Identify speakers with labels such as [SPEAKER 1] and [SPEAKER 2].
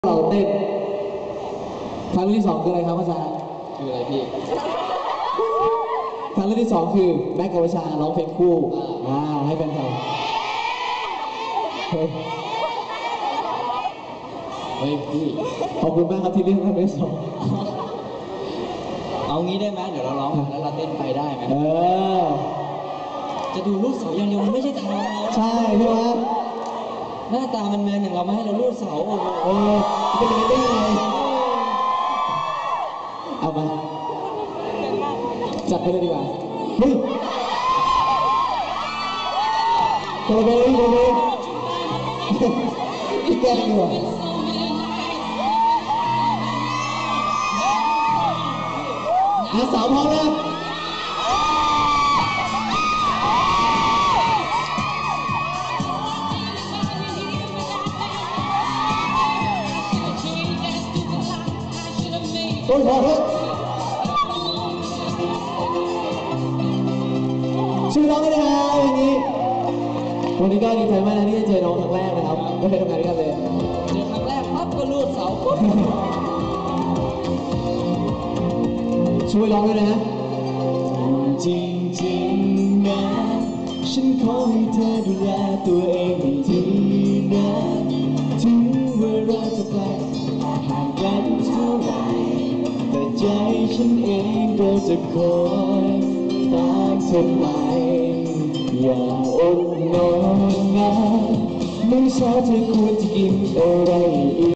[SPEAKER 1] เราเต้นทางเรื่องที่สองคืออะไรครับอาจารย์
[SPEAKER 2] คืออะไรพี่
[SPEAKER 1] ทางเรื่องที่สองคือแม็กกับวชาร้องเพลงคู่ให้แฟนคลับ
[SPEAKER 2] เฮ้ยพี่
[SPEAKER 1] ขอบคุณมากครับที่เลือกทางเรื่องที่สอง
[SPEAKER 2] เอางี้ได้ไหมเดี๋ยวเราร้องแล้วเราเต้นไปได้ไหมจะดูรูปเสาอย่างเดียวมันไม่ใช่ทาง
[SPEAKER 1] ใช่พี่วะ
[SPEAKER 2] หน้าตามันแมนอย่างเราไม่ให้เราลูดเสา
[SPEAKER 1] จะเป็นยังไงได้ไงเอามาจัดไปเลยดีกว่าเฮ้ยตัวเบย์อีกแก้ดีกว่าสาวพร้อมแล้วต้นพอเถอะชื่อน้องกันนะครับวันนี้ก็ดีใจมากนะที่ได้เจอน้องครั้งแรกนะครับไม่เคยทำงานด้วยกันเลย
[SPEAKER 2] เจอครั้งแรกปั๊บก็ลูดเสาปุ๊บ
[SPEAKER 1] ช่วยร้องด้วยนะ
[SPEAKER 2] จริงๆนะฉันขอให้เธอดูแลตัวเองให้ดีนะถึงเวลาจะไกลห่างกันเท่าไหร่แต่ใจฉันเองก็จะคอยตามเธอไปอย่าอดนอนนะไม่ช้าเธอควรจะกินอะไรอีก